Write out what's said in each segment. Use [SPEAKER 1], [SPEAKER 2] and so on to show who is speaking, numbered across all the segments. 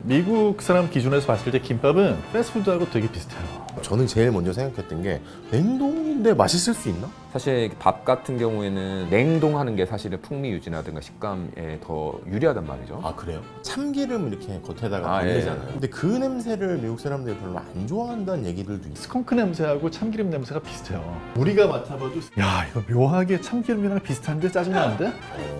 [SPEAKER 1] 미국 사람 기준에서 봤을 때 김밥은 패스트푸드하고 되게 비슷해요.
[SPEAKER 2] 저는 제일 먼저 생각했던 게 냉동인데 맛있을 수 있나?
[SPEAKER 3] 사실 밥 같은 경우에는 냉동하는 게 사실은 풍미 유지라든가 식감에 더 유리하단 말이죠.
[SPEAKER 2] 아 그래요? 참기름 이렇게 겉에다가
[SPEAKER 3] 아,
[SPEAKER 2] 바르잖아요.
[SPEAKER 3] 예.
[SPEAKER 2] 근데 그 냄새를 미국 사람들이 별로 안 좋아한다는 얘기들도 있어.
[SPEAKER 1] 스컹크 냄새하고 참기름 냄새가 비슷해요. 우리가 맡아봐도 야 이거 묘하게 참기름이랑 비슷한데 짜증나는데?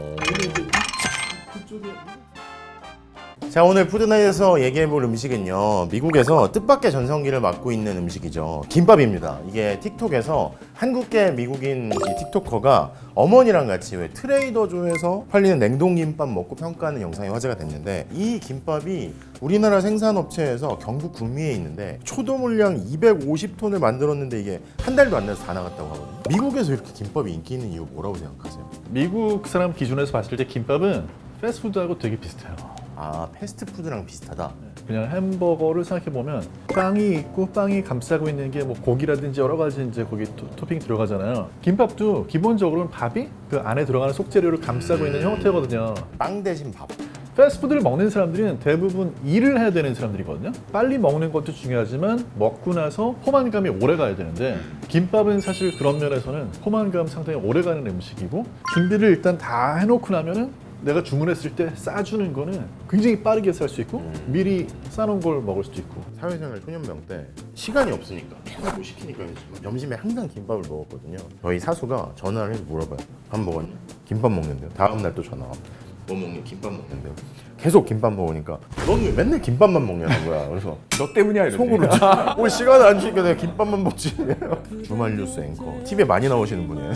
[SPEAKER 2] 자, 오늘 푸드나잇에서 얘기해볼 음식은요, 미국에서 뜻밖의 전성기를 맞고 있는 음식이죠. 김밥입니다. 이게 틱톡에서 한국계 미국인 이 틱토커가 어머니랑 같이 왜 트레이더조에서 팔리는 냉동김밥 먹고 평가하는 영상이 화제가 됐는데, 이 김밥이 우리나라 생산업체에서 경북 구미에 있는데 초도 물량 250톤을 만들었는데 이게 한 달도 안 돼서 다 나갔다고 하거든요. 미국에서 이렇게 김밥이 인기 있는 이유 뭐라고 생각하세요?
[SPEAKER 1] 미국 사람 기준에서 봤을 때 김밥은 패스트푸드하고 되게 비슷해요.
[SPEAKER 2] 아, 패스트푸드랑 비슷하다.
[SPEAKER 1] 그냥 햄버거를 생각해보면 빵이 있고 빵이 감싸고 있는 게 뭐 고기라든지 여러 가지 이제 거기 토핑 들어가잖아요. 김밥도 기본적으로는 밥이 그 안에 들어가는 속재료를 감싸고 있는 형태거든요.
[SPEAKER 2] 빵 대신 밥.
[SPEAKER 1] 패스트푸드를 먹는 사람들은 대부분 일을 해야 되는 사람들이거든요. 빨리 먹는 것도 중요하지만 먹고 나서 포만감이 오래 가야 되는데 김밥은 사실 그런 면에서는 포만감 상당히 오래 가는 음식이고 준비를 일단 다 해놓고 나면은 내가 주문했을 때 싸주는 거는 굉장히 빠르게 쌀 수 있고 미리 싸놓은 걸 먹을 수도 있고.
[SPEAKER 2] 사회생활 초년병 때 시간이 없으니까 계속 뭐 시키니까 점심에 항상 김밥을 먹었거든요. 저희 사수가 전화를 해서 물어봐요. 밥 먹었냐? 김밥 먹는데요. 다음 날 또 전화 와. 뭐 먹니? 김밥 먹는데요. 계속 김밥 먹으니까 넌 왜 맨날 김밥만 먹냐는 거야. 그래서
[SPEAKER 3] 너 때문이야 이러지.
[SPEAKER 2] 속으로 올 시간을 안 주니까 내가 김밥만 먹지. 주말 뉴스 앵커 TV에 많이 나오시는 분이에요.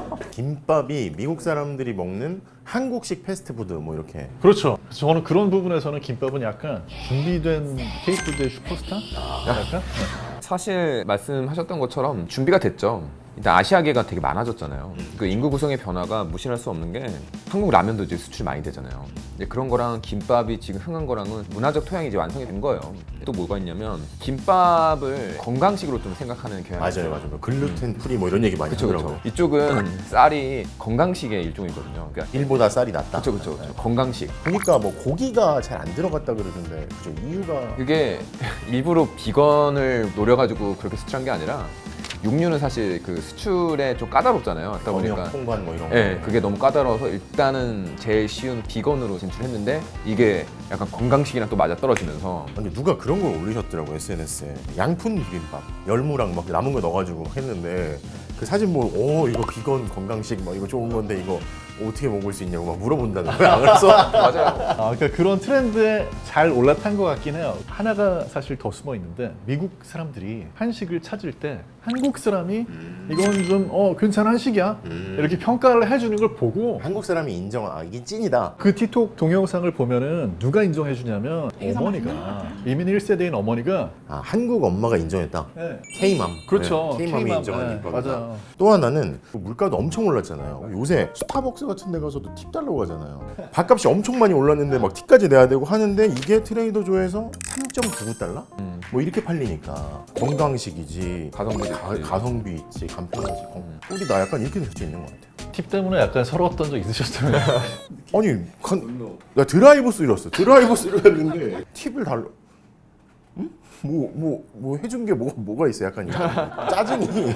[SPEAKER 2] 김밥이 미국 사람들이 먹는 한국식 패스트푸드 뭐 이렇게.
[SPEAKER 1] 그렇죠. 저는 그런 부분에서는 김밥은 약간 준비된 K푸드의 슈퍼스타? 약간?
[SPEAKER 3] 사실 말씀하셨던 것처럼 준비가 됐죠. 일단 아시아계가 되게 많아졌잖아요. 그 인구 구성의 변화가 무시할 수 없는 게 한국 라면도 이제 수출 많이 되잖아요. 이제 그런 거랑 김밥이 지금 흥한 거랑은 문화적 토양이 이제 완성이 된 거예요. 또 뭐가 있냐면 김밥을 건강식으로 좀 생각하는 경향이 있어요.
[SPEAKER 2] 맞아요. 뭐 글루텐 프리 뭐 이런 얘기 많이
[SPEAKER 3] 그쵸,
[SPEAKER 2] 하더라고요.
[SPEAKER 3] 그쵸. 이쪽은 쌀이 건강식의 일종이거든요. 그러니까
[SPEAKER 2] 일보다 쌀이 낫다.
[SPEAKER 3] 그쵸. 건강식.
[SPEAKER 2] 보니까 뭐 고기가 잘 안 들어갔다 그러던데 그죠? 이유가
[SPEAKER 3] 그게 일부러 비건을 노려가지고 그렇게 수출한 게 아니라 육류는 사실 그 수출에 좀 까다롭잖아요. 그러다
[SPEAKER 2] 검역
[SPEAKER 3] 보니까
[SPEAKER 2] 통관 뭐 이런 거.
[SPEAKER 3] 네, 그게 너무 까다로워서 일단은 제일 쉬운 비건으로 진출했는데 이게 약간 건강식이랑 또 맞아 떨어지면서
[SPEAKER 2] 근데 누가 그런 걸 올리셨더라고 SNS에. 양푼 비빔밥 열무랑 막 남은 거 넣어가지고 막 했는데 그 사진 보고 이거 비건 건강식 막 이거 좋은 건데 이거 어떻게 먹을 수 있냐고 막 물어본다는 거야. 그래서
[SPEAKER 3] 맞아요.
[SPEAKER 1] 그러니까 그런 트렌드에 잘 올라탄 것 같긴 해요. 하나가 사실 더 숨어 있는데 미국 사람들이 한식을 찾을 때 한국 사람이 이건 좀 괜찮은 한식이야 이렇게 평가를 해주는 걸 보고
[SPEAKER 2] 한국 사람이 인정한 이게 찐이다.
[SPEAKER 1] 그 틱톡 동영상을 보면은 누가 인정해주냐면 어머니가 이민 1세대인 어머니가
[SPEAKER 2] 아, 한국 엄마가 인정했다.
[SPEAKER 1] 네.
[SPEAKER 2] K맘.
[SPEAKER 1] 그렇죠.
[SPEAKER 2] K맘이
[SPEAKER 1] K맘.
[SPEAKER 2] 인정한
[SPEAKER 1] 네,
[SPEAKER 2] 김밥이다.
[SPEAKER 1] 맞아요.
[SPEAKER 2] 또 하나는 물가도 엄청 올랐잖아요. 요새 스타벅스 같은 데 가서도 팁 달라고 하잖아요. 밥값이 엄청 많이 올랐는데 막 팁까지 내야 되고 하는데 이게 트레이더조에서 3.99달러? 뭐 이렇게 팔리니까 건강식이지,
[SPEAKER 3] 가성비 있지.
[SPEAKER 2] 가성비 있지, 간편하지. 우리 나 약간 이렇게 될 수 있는 것 같아요.
[SPEAKER 1] 팁 때문에 약간 서러웠던 적 있으셨다면
[SPEAKER 2] 아니, 나 드라이브스 이랬어. 드라이브스를 했는데 팁을 달라. 응? 뭐 해준 게 뭐가 있어? 약간 짜증이.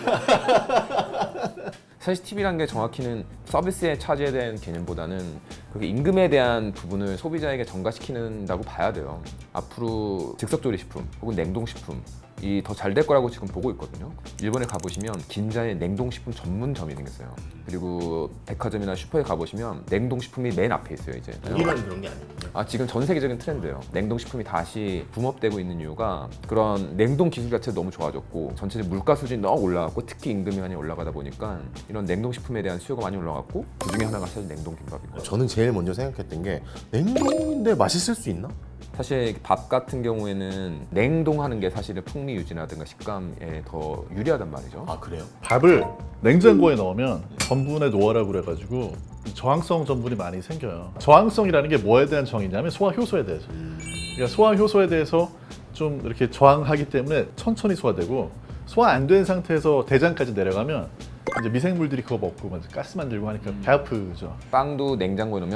[SPEAKER 3] 사실 팁이란 게 정확히는 서비스에 차지해야 되는 개념보다는 그렇게 임금에 대한 부분을 소비자에게 전가시키는다고 봐야 돼요. 앞으로 즉석조리식품 혹은 냉동식품 이 더 잘 될 거라고 지금 보고 있거든요. 일본에 가보시면 긴자에 냉동식품 전문점이 생겼어요. 그리고 백화점이나 슈퍼에 가보시면 냉동식품이 맨 앞에 있어요. 이제
[SPEAKER 2] 우리만 그런 게 아니군요.
[SPEAKER 3] 지금 전 세계적인 트렌드예요. 냉동식품이 다시 붐업되고 있는 이유가 그런 냉동 기술 자체가 너무 좋아졌고 전체적 물가 수준이 너무 올라갔고 특히 임금이 많이 올라가다 보니까 이런 냉동식품에 대한 수요가 많이 올라갔고 그 중에 하나가 사실 냉동김밥이고
[SPEAKER 2] 저는 제일 먼저 생각했던 게 냉동인데 맛있을 수 있나?
[SPEAKER 3] 사실 밥 같은 경우에는 냉동하는 게 사실은 풍미 유지라든가 식감에 더 유리하단 말이죠.
[SPEAKER 2] 아 그래요?
[SPEAKER 1] 밥을 냉장고에 넣으면 전분의 노화라고 그래가지고 저항성 전분이 많이 생겨요. 저항성이라는 게 뭐에 대한 정의냐면 소화 효소에 대해서. 그러니까 소화 효소에 대해서 좀 이렇게 저항하기 때문에 천천히 소화되고 소화 안 된 상태에서 대장까지 내려가면 이제 미생물들이 그거 먹고 가스 만들고 하니까 배 아프죠.
[SPEAKER 3] 빵도 냉장고에 넣으면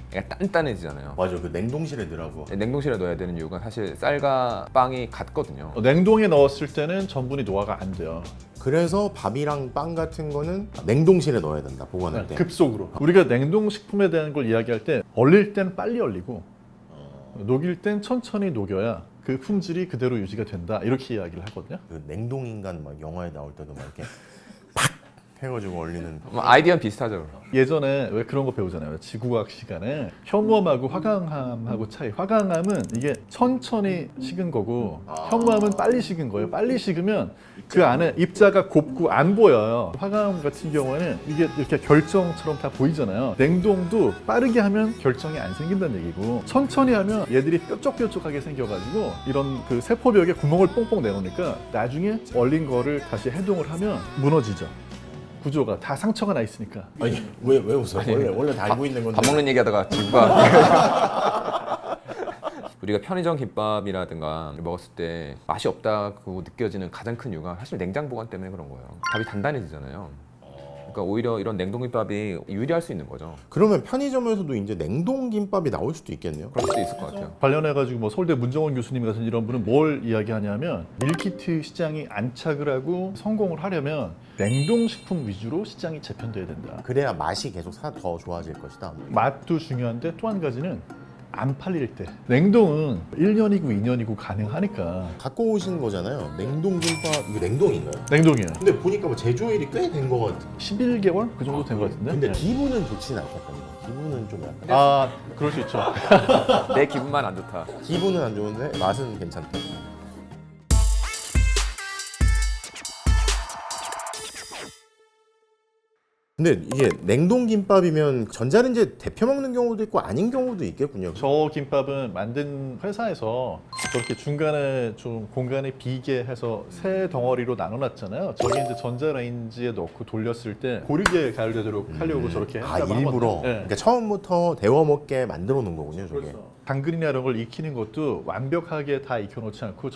[SPEAKER 3] 약간 단단해지잖아요.
[SPEAKER 2] 맞아, 그 냉동실에 넣으라고.
[SPEAKER 3] 냉동실에 넣어야 되는 이유가 사실 쌀과 빵이 같거든요.
[SPEAKER 1] 냉동에 넣었을 때는 전분이 노화가 안 돼요.
[SPEAKER 2] 그래서 밥이랑 빵 같은 거는 냉동실에 넣어야 된다, 보관할 때.
[SPEAKER 1] 급속으로. 우리가 냉동식품에 대한 걸 이야기할 때 얼릴 땐 빨리 얼리고 녹일 땐 천천히 녹여야 그 품질이 그대로 유지가 된다, 이렇게 이야기를 하거든요.
[SPEAKER 2] 그 냉동인간 막 영화에 나올 때도 막 이렇게 팍 해가지고 얼리는.
[SPEAKER 3] 아이디어는 비슷하죠.
[SPEAKER 1] 예전에 왜 그런 거 배우잖아요. 지구과학 시간에 현무암하고 화강암하고 차이. 화강암은 이게 천천히 식은 거고 현무암은 빨리 식은 거예요. 빨리 식으면 그 안에 입자가 곱고 안 보여요. 화강암 같은 경우에는 이게 이렇게 결정처럼 다 보이잖아요. 냉동도 빠르게 하면 결정이 안 생긴다는 얘기고, 천천히 하면 얘들이 뾰족뾰족하게 생겨가지고 이런 그 세포벽에 구멍을 뽕뽕 내놓으니까 나중에 얼린 거를 다시 해동을 하면 무너지죠. 구조가 다 상처가 나 있으니까.
[SPEAKER 2] 아니, 왜 웃어? 원래 다 알고 있는 건데.
[SPEAKER 3] 밥 먹는 얘기하다가 지구가 우리가 편의점 김밥이라든가 먹었을 때 맛이 없다고 느껴지는 가장 큰 이유가 사실 냉장 보관 때문에 그런 거예요. 밥이 단단해지잖아요. 그러니까 오히려 이런 냉동 김밥이 유리할 수 있는 거죠.
[SPEAKER 2] 그러면 편의점에서도 이제 냉동 김밥이 나올 수도 있겠네요.
[SPEAKER 3] 그럴 수도 있을 것 같아요.
[SPEAKER 1] 관련해가지고 뭐 서울대 문정원 교수님 같은 이런 분은 뭘 이야기하냐면, 밀키트 시장이 안착을 하고 성공을 하려면 냉동식품 위주로 시장이 재편돼야 된다.
[SPEAKER 2] 그래야 맛이 계속 더 좋아질 것이다.
[SPEAKER 1] 맛도 중요한데 또 한 가지는 안 팔릴 때. 냉동은 1년이고 2년이고 가능하니까.
[SPEAKER 2] 갖고 오신 거잖아요. 냉동 김밥, 이거 냉동인가요?
[SPEAKER 1] 냉동이에요.
[SPEAKER 2] 근데 보니까 뭐 제조일이 꽤 된 것 같아.
[SPEAKER 1] 11개월? 그 정도 된 것 같은데?
[SPEAKER 2] 근데
[SPEAKER 1] 네.
[SPEAKER 2] 기분은 좋지는 않겠다는 거. 기분은 좀 약간.
[SPEAKER 1] 아, 그럴 수 있죠.
[SPEAKER 3] 내 기분만 안 좋다.
[SPEAKER 2] 기분은 안 좋은데 맛은 괜찮다. 근데 이게 냉동 김밥이면 전자레인지에 데펴 먹는 경우도 있고 아닌 경우도 있겠군요.
[SPEAKER 1] 저 김밥은 만든 회사에서 저렇게 중간에 좀 공간을 비게 해서 세 덩어리로 나눠놨잖아요. 저게 이제 전자레인지에 넣고 돌렸을 때 고르게 가열되도록 하려고 저렇게
[SPEAKER 2] 아,
[SPEAKER 1] 했다고
[SPEAKER 2] 일부러?
[SPEAKER 1] 하거든요. 네.
[SPEAKER 2] 그러니까 처음부터 데워 먹게 만들어 놓은 거군요, 저게.
[SPEAKER 1] 당근이나 이런 걸 익히는 것도 완벽하게 다 익혀놓지 않고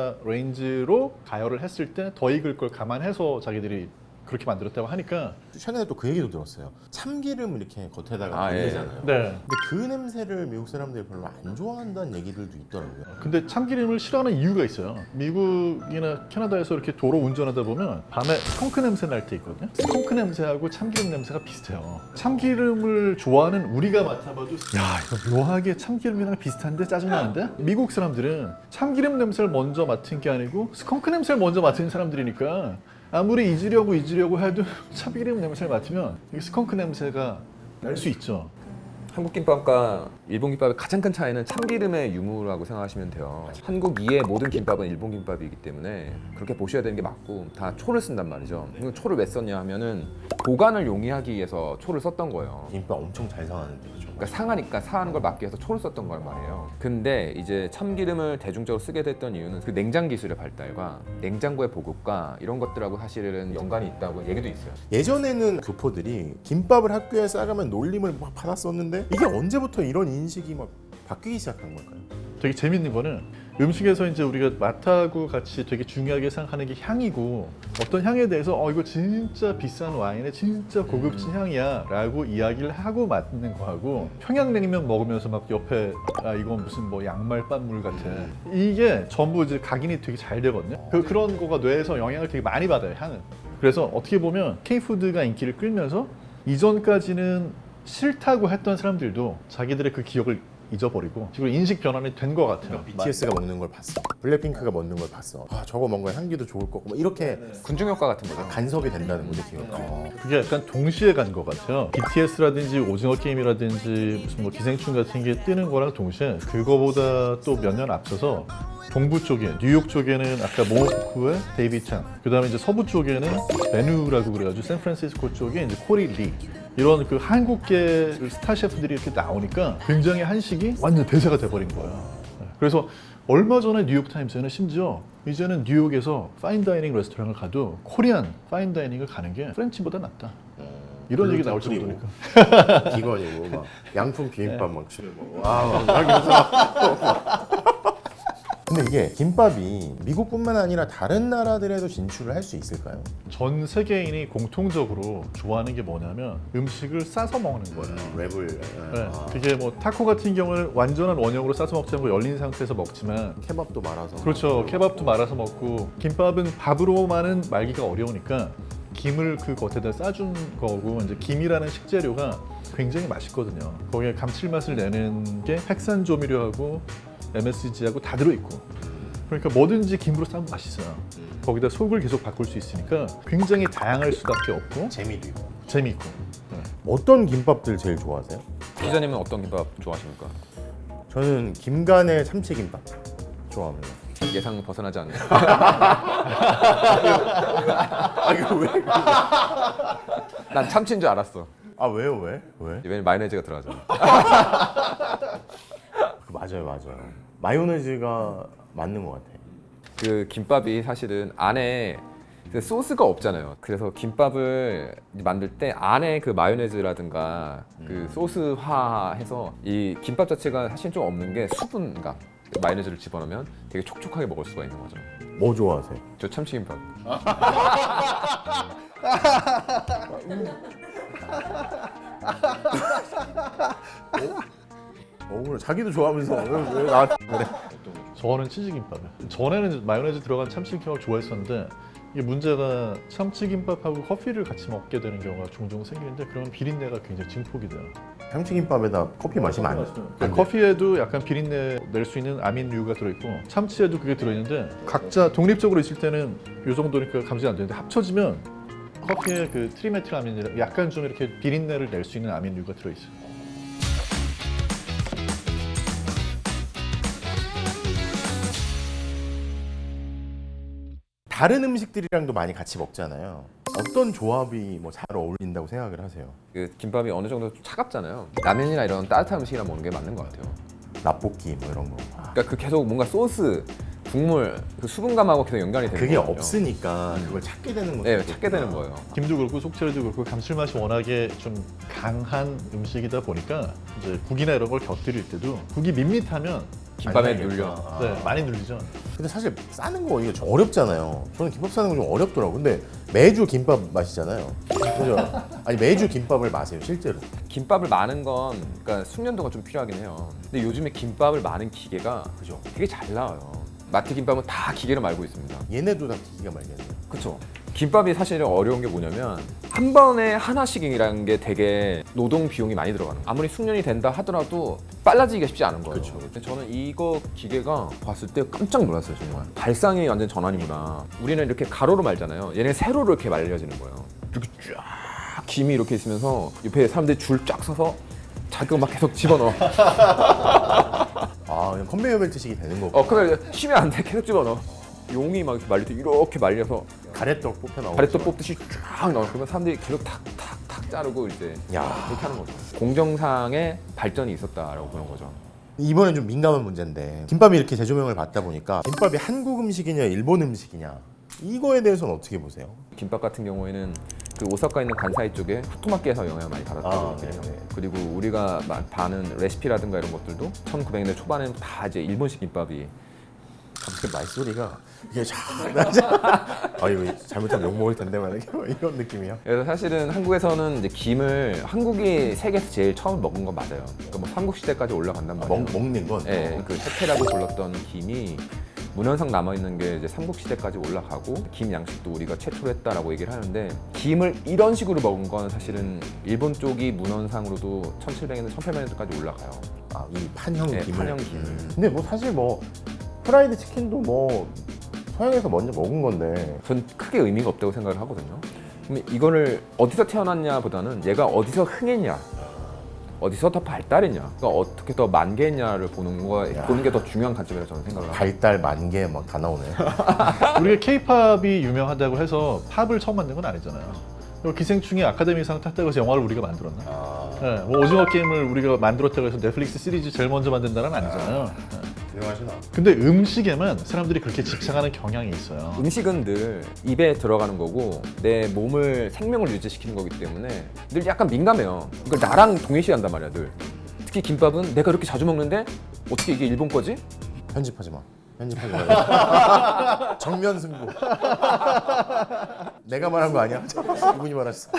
[SPEAKER 1] 전자레인지로 가열을 했을 때 더 익을 걸 감안해서 자기들이 그렇게 만들었다고 하니까.
[SPEAKER 2] 최근에 또 그 얘기도 들었어요. 참기름을 이렇게 겉에다가
[SPEAKER 3] 아, 예.
[SPEAKER 2] 올리잖아요.
[SPEAKER 1] 네.
[SPEAKER 2] 근데 그 냄새를 미국 사람들이 별로 안 좋아한다는 얘기들도 있더라고요.
[SPEAKER 1] 근데 참기름을 싫어하는 이유가 있어요. 미국이나 캐나다에서 이렇게 도로 운전하다 보면 밤에 스컹크 냄새 날 때 있거든요. 스컹크 냄새하고 참기름 냄새가 비슷해요. 참기름을 좋아하는 우리가 맡아봐도 야, 이거 묘하게 참기름이랑 비슷한데 짜증나는데? 미국 사람들은 참기름 냄새를 먼저 맡은 게 아니고 스컹크 냄새를 먼저 맡은 사람들이니까 아무리 잊으려고 해도 참기름 냄새를 맡으면 이 스컹크 냄새가 날 수 있죠.
[SPEAKER 3] 한국 김밥과 일본 김밥의 가장 큰 차이는 참기름의 유무라고 생각하시면 돼요. 한국 이의 모든 김밥은 일본 김밥이기 때문에 그렇게 보셔야 되는 게 맞고, 다 초를 쓴단 말이죠. 이거 초를 왜 썼냐 하면은 보관을 용이하기 위해서 초를 썼던 거예요.
[SPEAKER 2] 김밥 엄청 잘 상하는데, 그죠?
[SPEAKER 3] 그러니까 상하니까 상하는 걸 막기 위해서 초를 썼던 걸 말이에요. 근데 이제 참기름을 대중적으로 쓰게 됐던 이유는 그 냉장 기술의 발달과 냉장고의 보급과 이런 것들하고 사실은 연관이 있다고 얘기도 있어요.
[SPEAKER 2] 예전에는 교포들이 김밥을 학교에 싸가면 놀림을 막 받았었는데 이게 언제부터 이런 인식이 막 바뀌기 시작한 걸까요?
[SPEAKER 1] 되게 재밌는 거는 음식에서 이제 우리가 맛하고 같이 되게 중요하게 생각하는 게 향이고, 어떤 향에 대해서 이거 진짜 비싼 와인의 진짜 고급진 향이야 라고 이야기를 하고 맡는 거하고, 평양냉면 먹으면서 막 옆에 이건 무슨 뭐 양말 빤물 같아, 이게 전부 이제 각인이 되게 잘 되거든요. 그런 거가 뇌에서 영향을 되게 많이 받아요, 향은. 그래서 어떻게 보면 K푸드가 인기를 끌면서 이전까지는 싫다고 했던 사람들도 자기들의 그 기억을 잊어버리고 지금 인식 변환이 된 것 같아요.
[SPEAKER 2] BTS가 먹는 걸 봤어. 블랙핑크가 먹는 걸 봤어. 아, 저거 뭔가 향기도 좋을 거고 뭐 이렇게
[SPEAKER 3] 군중 효과 같은 거죠.
[SPEAKER 2] 간섭이 된다는 거죠, 지금.
[SPEAKER 1] 그게 약간 동시에 간 것 같아요. BTS라든지 오징어 게임이라든지 무슨 뭐 기생충 같은 게 뜨는 거랑 동시에 그거보다 또 몇 년 앞서서 동부 쪽에, 뉴욕 쪽에는 아까 모모푸쿠의 데이비 창, 그 다음에 이제 서부 쪽에는 베누라고 그래가지고 샌프란시스코 쪽에 이제 코리 리, 이런 그 한국계 스타 셰프들이 이렇게 나오니까 굉장히 한식이 완전 대세가 돼버린 거예요. 그래서 얼마 전에 뉴욕타임스에는 심지어 이제는 뉴욕에서 파인다이닝 레스토랑을 가도 코리안 파인다이닝을 가는 게 프렌치보다 낫다, 이런 얘기 나올 정도니까.
[SPEAKER 2] 비건이고 막 양품 비빔밥 막 주는 거. 와, 막 이러면서 근데 이게 김밥이 미국뿐만 아니라 다른 나라들에도 진출을 할 수 있을까요?
[SPEAKER 1] 전 세계인이 공통적으로 좋아하는 게 뭐냐면 음식을 싸서 먹는 거예요.
[SPEAKER 2] 랩을
[SPEAKER 1] 네, 그게 뭐 타코 같은 경우는 완전한 원형으로 싸서 먹지 않고 열린 상태에서 먹지만
[SPEAKER 2] 케밥도 말아서
[SPEAKER 1] 그렇죠. 케밥도 말아서 먹고 김밥은 밥으로만은 말기가 어려우니까 김을 그 겉에다 싸준 거고 이제 김이라는 식재료가 굉장히 맛있거든요. 거기에 감칠맛을 내는 게 핵산 조미료하고 MSG하고 다 들어있고 그러니까 뭐든지 김으로 싸면 맛있어요. 거기다 속을 계속 바꿀 수 있으니까 굉장히 다양할 수밖에 없고
[SPEAKER 2] 재미도 있고.
[SPEAKER 1] 재미있고 네.
[SPEAKER 2] 어떤 김밥들 제일 좋아하세요?
[SPEAKER 3] 기자님은 어떤 김밥 좋아하십니까?
[SPEAKER 2] 저는 김간의 참치김밥 좋아합니다.
[SPEAKER 3] 예상 벗어나지 않는.
[SPEAKER 2] 아 이거 왜?
[SPEAKER 3] 난 참치인 줄 알았어.
[SPEAKER 2] 아 왜요 왜? 왜?
[SPEAKER 3] 왜냐면 마요네즈가 들어가잖아.
[SPEAKER 2] 맞아요. 마요네즈가 맞는 것 같아.
[SPEAKER 3] 그 김밥이 사실은 안에 그 소스가 없잖아요. 그래서 김밥을 만들 때 안에 그 마요네즈라든가 그 소스화해서 이 김밥 자체가 사실 좀 없는 게 수분감. 마요네즈를 집어넣으면 되게 촉촉하게 먹을 수가 있는 거죠.
[SPEAKER 2] 뭐 좋아하세요?
[SPEAKER 3] 저 참치김밥.
[SPEAKER 2] 그래 자기도 좋아하면서 왜 나한테 그래?
[SPEAKER 1] 저는 치즈김밥이요. 전에는 마요네즈 들어간 참치김밥 좋아했었는데 이게 문제가 참치김밥하고 커피를 같이 먹게 되는 경우가 종종 생기는데 그러면 비린내가 굉장히 증폭이 돼요.
[SPEAKER 2] 참치김밥에다 커피 마시면 안 돼.
[SPEAKER 1] 그러니까 커피에도 약간 비린내 낼 수 있는 아민류가 들어있고 참치에도 그게 들어있는데 각자 독립적으로 있을 때는 이 정도니까 감지가 안 되는데 합쳐지면 커피에 그 트리메틸아민이라 약간 좀 이렇게 비린내를 낼 수 있는 아민류가 들어있어요.
[SPEAKER 2] 다른 음식들이랑도 많이 같이 먹잖아요. 어떤 조합이 뭐 잘 어울린다고 생각을 하세요?
[SPEAKER 3] 그 김밥이 어느 정도 좀 차갑잖아요. 라면이나 이런 따뜻한 음식이랑 먹는 게 맞는 것 같아요.
[SPEAKER 2] 라볶이 뭐 이런 거.
[SPEAKER 3] 그러니까 그 계속 뭔가 소스, 국물, 그 수분감하고 계속 연관이 되는
[SPEAKER 2] 그게
[SPEAKER 3] 거거든요.
[SPEAKER 2] 없으니까 그걸 찾게 되는 거죠.
[SPEAKER 3] 네, 찾게 되는 거예요.
[SPEAKER 1] 김도 그렇고 속재료도 그렇고 감칠맛이 워낙에 좀 강한 음식이다 보니까 이제 국이나 이런 걸 곁들일 때도 국이 밋밋하면
[SPEAKER 3] 김밥에
[SPEAKER 2] 많이
[SPEAKER 3] 눌려.
[SPEAKER 2] 나겠다.
[SPEAKER 1] 네, 많이 눌리죠.
[SPEAKER 2] 근데 사실 싸는 거 이게 좀 어렵잖아요. 저는 김밥 싸는 거 좀 어렵더라고. 근데 매주 김밥 마시잖아요. 그죠? 아니 매주 김밥을 마세요 실제로.
[SPEAKER 3] 김밥을 마는 건 그러니까 숙련도가 좀 필요하긴 해요. 근데 요즘에 김밥을 마는 기계가
[SPEAKER 2] 그죠?
[SPEAKER 3] 되게 잘 나와요. 마트 김밥은 다 기계로 말고 있습니다.
[SPEAKER 2] 얘네도 다 기가 말겠네요.
[SPEAKER 3] 그렇죠. 김밥이 사실 어려운 게 뭐냐면 한 번에 하나씩이라는 게 되게 노동 비용이 많이 들어가는 거예요. 아무리 숙련이 된다 하더라도 빨라지기가 쉽지 않은 거예요.
[SPEAKER 2] 그쵸.
[SPEAKER 3] 근데 저는 이거 기계가 봤을 때 깜짝 놀랐어요. 정말 발상이 완전 전환이구나. 우리는 이렇게 가로로 말잖아요. 얘는 세로로 이렇게 말려지는 거예요. 이렇게 쫙 김이 이렇게 있으면서 옆에 사람들이 줄 쫙 서서 자기가 막 계속 집어넣어.
[SPEAKER 2] 아 그냥 컨베이어 벨트식이 되는 거고.
[SPEAKER 3] 그래 쉬면 안 돼. 계속 집어넣어. 용이 막 이렇게 말릴 때 이렇게 말려서
[SPEAKER 2] 가래떡 뽑혀 나오고.
[SPEAKER 3] 가래떡 뽑듯이 쫙 넣어. 그러면 사람들이 계속 탁탁탁 자르고 이제
[SPEAKER 2] 야.
[SPEAKER 3] 그렇게 하는 거죠. 공정상의 발전이 있었다라고 보는 거죠.
[SPEAKER 2] 이번엔 좀 민감한 문제인데 김밥이 이렇게 재조명을 받다 보니까 김밥이 한국 음식이냐 일본 음식이냐 이거에 대해서는 어떻게 보세요?
[SPEAKER 3] 김밥 같은 경우에는 그 오사카 있는 간사이 쪽에 후토마키에서 영향을 많이 받았다고
[SPEAKER 2] 아,
[SPEAKER 3] 해요.
[SPEAKER 2] 네네.
[SPEAKER 3] 그리고 우리가 봐는 레시피라든가 이런 것들도 1900년대 초반에는 다 이제 일본식 김밥이
[SPEAKER 2] 갑자기 말소리가 이게 아 이거 잘못하면 욕 먹을 텐데 만약에 이런 느낌이야.
[SPEAKER 3] 그래서 사실은 한국에서는 이제 김을 한국이 세계에서 제일 처음 먹은 건 맞아요. 그러니까 뭐 삼국시대까지 올라간단 말이에요.
[SPEAKER 2] 먹는 건.
[SPEAKER 3] 예, 그 태태라고 불렀던 김이 문헌상 남아 있는 게 이제 삼국시대까지 올라가고 김 양식도 우리가 최초로 했다라고 얘기를 하는데 김을 이런 식으로 먹은 건 사실은 일본 쪽이 문헌상으로도 1700년대, 1800년대까지 올라가요.
[SPEAKER 2] 아이 판형
[SPEAKER 3] 네,
[SPEAKER 2] 김을.
[SPEAKER 3] 판형 김을.
[SPEAKER 2] 근데 뭐 사실 뭐 프라이드 치킨도 뭐 서양에서 먼저 먹은 건데.
[SPEAKER 3] 전 크게 의미가 없다고 생각을 하거든요. 근데 이거를 어디서 태어났냐 보다는 얘가 어디서 흥했냐, 어디서 더 발달했냐, 그러니까 어떻게 더 만개했냐를 보는 게 더 중요한 관점이라고 저는 생각을 합니다.
[SPEAKER 2] 발달 만개 막 다 나오네.
[SPEAKER 1] 우리가 K-팝이 유명하다고 해서 팝을 처음 만든 건 아니잖아요. 그리고 기생충이 아카데미상 탔다고 해서 영화를 우리가 만들었나? 네, 뭐 오징어 게임을 우리가 만들었다고 해서 넷플릭스 시리즈 제일 먼저 만든 나라는 아니잖아요. 네.
[SPEAKER 2] 유명하시나?
[SPEAKER 1] 근데 음식에만 사람들이 그렇게 집착하는 경향이 있어요.
[SPEAKER 3] 음식은 늘 입에 들어가는 거고 내 몸을 생명을 유지시키는 거기 때문에 늘 약간 민감해요. 이걸 나랑 동일시한단 말이야 늘. 특히 김밥은 내가 이렇게 자주 먹는데 어떻게 이게 일본 거지?
[SPEAKER 2] 편집하지 마. 편집하지 말고. 정면 승부. 내가 말한 거 아니야? 이분이 말했어.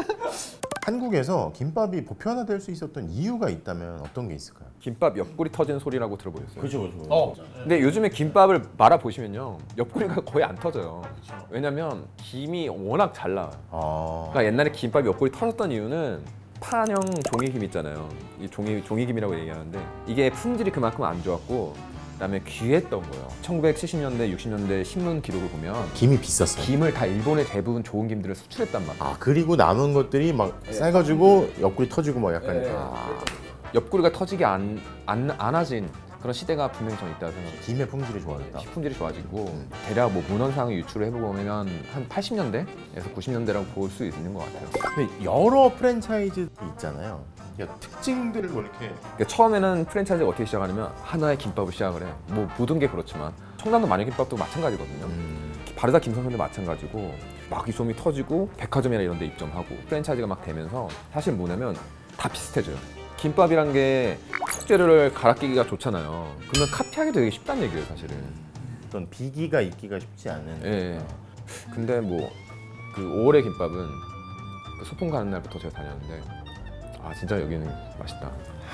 [SPEAKER 2] 한국에서 김밥이 보편화될 수 있었던 이유가 있다면 어떤 게 있을까요?
[SPEAKER 3] 김밥 옆구리 터지는 소리라고 들어보셨어요?
[SPEAKER 2] 그렇죠.
[SPEAKER 3] 근데 요즘에 김밥을 말아 보시면요, 옆구리가 거의 안 터져요. 왜냐면 김이 워낙 잘 나와요. 그러니까 옛날에 김밥이 옆구리 터졌던 이유는 판형 종이김 있잖아요. 이 종이김이라고 얘기하는데 이게 품질이 그만큼 안 좋았고, 그다음에 귀했던 거예요. 1970년대, 60년대 신문 기록을 보면
[SPEAKER 2] 김이 비쌌어요.
[SPEAKER 3] 김을 다 일본에 대부분 좋은 김들을 수출했단 말이에요.
[SPEAKER 2] 아 그리고 남은 것들이 막 싸가지고 옆구리 터지고 막 약간
[SPEAKER 3] 옆구리가 터지게 안 안아진 그런 시대가 분명히 저는 있다고 생각해요.
[SPEAKER 2] 김의 품질이 좋아졌다.
[SPEAKER 3] 식품질이 좋아지고 대략 뭐 문헌상을 유출을 해보면 한 80년대에서 90년대라고 볼 수 있는 것 같아요.
[SPEAKER 2] 근데 여러 프랜차이즈 있잖아요. 그러니까 특징들을 뭐 이렇게
[SPEAKER 3] 그러니까 처음에는 프랜차이즈가 어떻게 시작하냐면 하나의 김밥을 시작을 해. 뭐 모든 게 그렇지만 청담도 마녀김밥도 마찬가지거든요. 바르다 김선생도 마찬가지고 막 이 소문이 터지고 백화점이나 이런 데 입점하고 프랜차이즈가 막 되면서 사실 뭐냐면 다 비슷해져요. 김밥이란 게 속재료를 갈아 끼기가 좋잖아요. 그러면 카피하기도 되게 쉽다는 얘기예요, 사실은.
[SPEAKER 2] 어떤 비기가 있기가 쉽지 않은.
[SPEAKER 3] 예. 근데 뭐 그 5월의 김밥은 그 소풍 가는 날부터 제가 다녔는데 아 진짜 여기는 맛있다.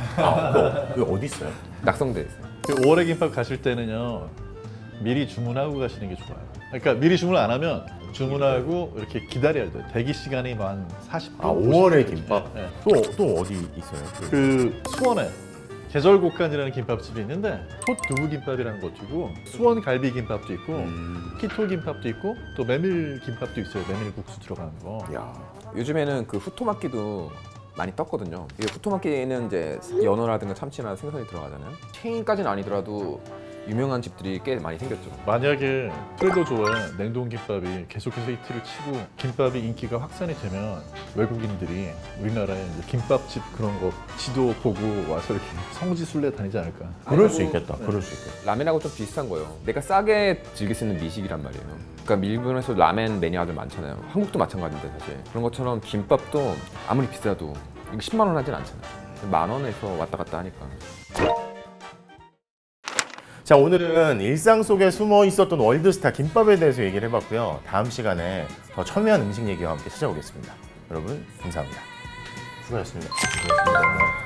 [SPEAKER 2] 그거 어디 있어요?
[SPEAKER 3] 낙성대에 있어요.
[SPEAKER 1] 그 5월의 김밥 가실 때는요, 미리 주문하고 가시는 게 좋아요. 그러니까 미리 주문 안 하면 주문하고 이렇게 기다려야 돼요. 대기 시간이 뭐 한 40분.
[SPEAKER 2] 5월의 김밥.
[SPEAKER 1] 네.
[SPEAKER 2] 또 어디 있어요?
[SPEAKER 1] 그 수원에 계절곡간이라는 김밥집이 있는데 톳 두부 김밥이라는 것도 있고 수원 갈비 김밥도 있고 키토 김밥도 있고 또 메밀 김밥도 있어요. 메밀 국수 들어가는 거.
[SPEAKER 2] 야.
[SPEAKER 3] 요즘에는 그 후토마키도 많이 떴거든요. 이게 후토마키는 이제 연어라든가 참치나 생선이 들어가잖아요. 체인까지는 아니더라도 유명한 집들이 꽤 많이 생겼죠.
[SPEAKER 1] 만약에 트레더조에 냉동 김밥이 계속해서 히트를 치고 김밥이 인기가 확산이 되면 외국인들이 우리나라에 이제 김밥집 그런 거 지도 보고 와서 이렇게 성지순례 다니지 않을까.
[SPEAKER 2] 그럴 수 있겠다. 그럴 수 있겠다.
[SPEAKER 3] 라멘하고 좀 비슷한 거예요. 내가 싸게 즐길 수 있는 미식이란 말이에요. 그러니까 일본에서 라멘 매니아들 많잖아요. 한국도 마찬가지인데 사실. 그런 것처럼 김밥도 아무리 비싸도 이거 10만 원 하진 않잖아요. 10,000원에서 왔다 갔다 하니까.
[SPEAKER 2] 자, 오늘은 일상 속에 숨어 있었던 월드스타 김밥에 대해서 얘기를 해봤고요. 다음 시간에 더 첨예한 음식 얘기와 함께 찾아오겠습니다. 여러분 감사합니다. 수고하셨습니다.